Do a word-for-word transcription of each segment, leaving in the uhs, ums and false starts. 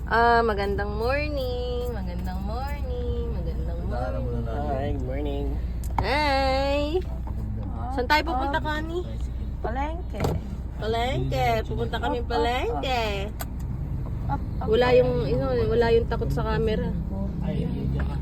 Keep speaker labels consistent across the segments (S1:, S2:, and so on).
S1: Ah, magandang morning. Magandang morning. Magandang morning.
S2: Hi, good morning.
S1: Hi. Saan tayo pupunta, Connie?
S3: Palengke.
S1: Palengke. Pupunta kami palengke. Wala yung, you know, wala yung takot sa camera.
S2: Ay, hindi ka.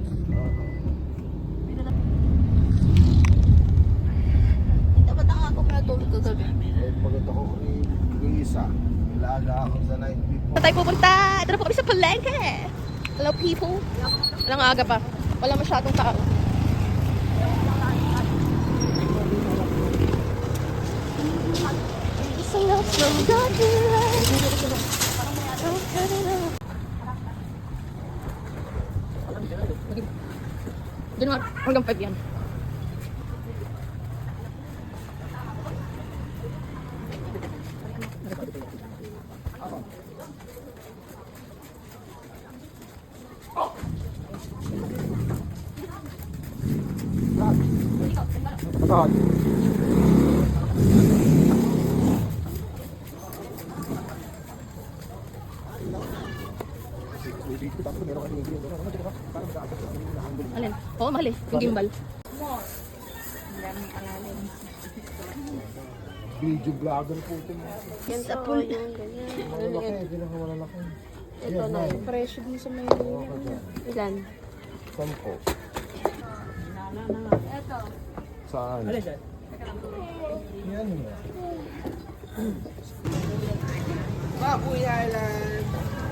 S1: Ito ba tanga ako natulog kagabi?
S4: Eh, pagod ako yung isa. Ilaga ako sa night before.
S1: Saan tayo pupunta? Ito na po kami sa palengke. Hello, people. Walang aga pa. Wala masyadong tao. Isang love from God. Doon nga, hanggang five yan.
S4: Bakit?
S1: Alin? Oo, mahal eh. Yung gimbal.
S4: Video vlogger po ito.
S1: Yan sa pool. Yung ganyan.
S4: Malalaki, hindi lang malalaki.
S1: Ito na yung presyo din sa may ilan?
S4: Sampo.
S1: Ito.
S4: Saan?
S2: Alin siya?
S4: Yan nga.
S2: Baboy Island.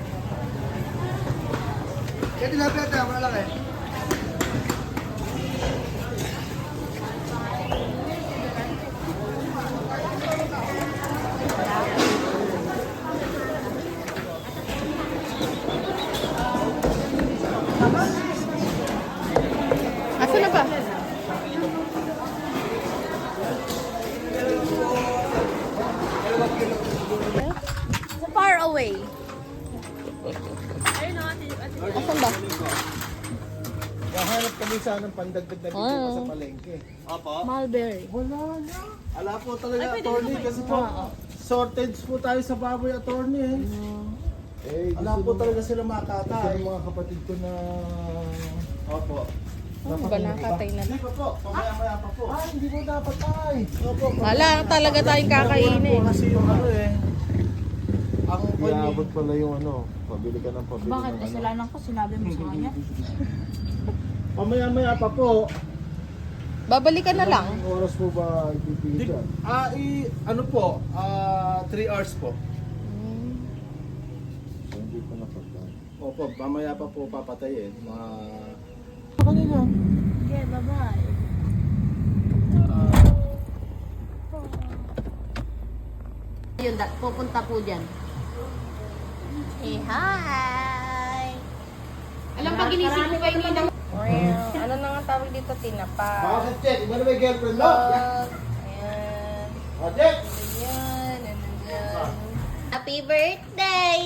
S4: Kaya tilapia ito, malalaki.
S1: Asa na ba? So far away. Asan ba?
S4: Kahanap kami sana ng pandagdag na video
S1: Ah.
S4: sa palengke.
S1: Mulberry.
S4: Wala na. Ala po talaga, attorney, kasi po, shortage po tayo sa baboy, attorney eh. Eh, Ala po talaga sila makatay. Ito mga kapatid ko na... Opo.
S1: Ano ba nakatay na?
S4: Hindi pa po, pamaya-maya pa po. Ay, hindi mo dapat ay. Opo.
S1: Wala talaga tayong kakainin.
S4: Kasi yung ano eh. Ang Iabot pala yung ano, pabili ka ng pabili
S3: Bakit?
S4: ng ano.
S3: Kasalanan ko, sinabi mo sa kanya.
S4: Pamaya-maya pa po.
S1: Babalikan na lang.
S4: Anong oras po ba ipipili dyan?
S5: Ah, i ano po? Ah, three hours po.
S4: So, hindi pa napagkaan.
S5: Opo, mamaya pa po papatayin. Mga
S4: Kanina.
S3: Okay, bye-bye.
S1: Yun, da- pupunta po dyan. Hey, hi! Alam pa, ginising ko kayo nila. Ano na nga tawag dito? Tinapa.
S4: Bakit, Jack? Iba na may girlfriend mo?
S1: Ayan.
S4: Ah, Jack!
S1: Ayan. Ano dyan? Happy birthday!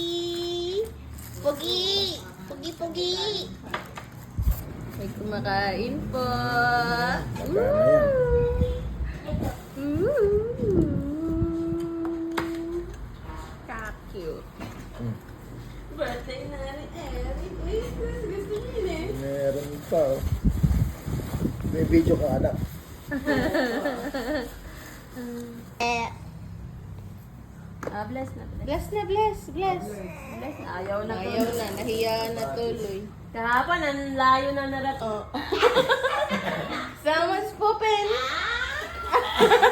S1: Pogi! Pogi, pogi! May kumakain po.
S4: Magkano yan?
S1: Ooh. Ka-cute.
S4: Hmm.
S1: Birthday na ni Eric. Uy, gusto niyo eh.
S4: Meron pa. oh. May video ka, anak.
S1: Eh. Ah, bless na. Bless na, bless. Bless.
S3: Bless, ayaw na
S1: Ayaw na, nahiya na tuloy.
S3: Kahapon, ang layo na narat.
S1: Oh. Someone's pooping.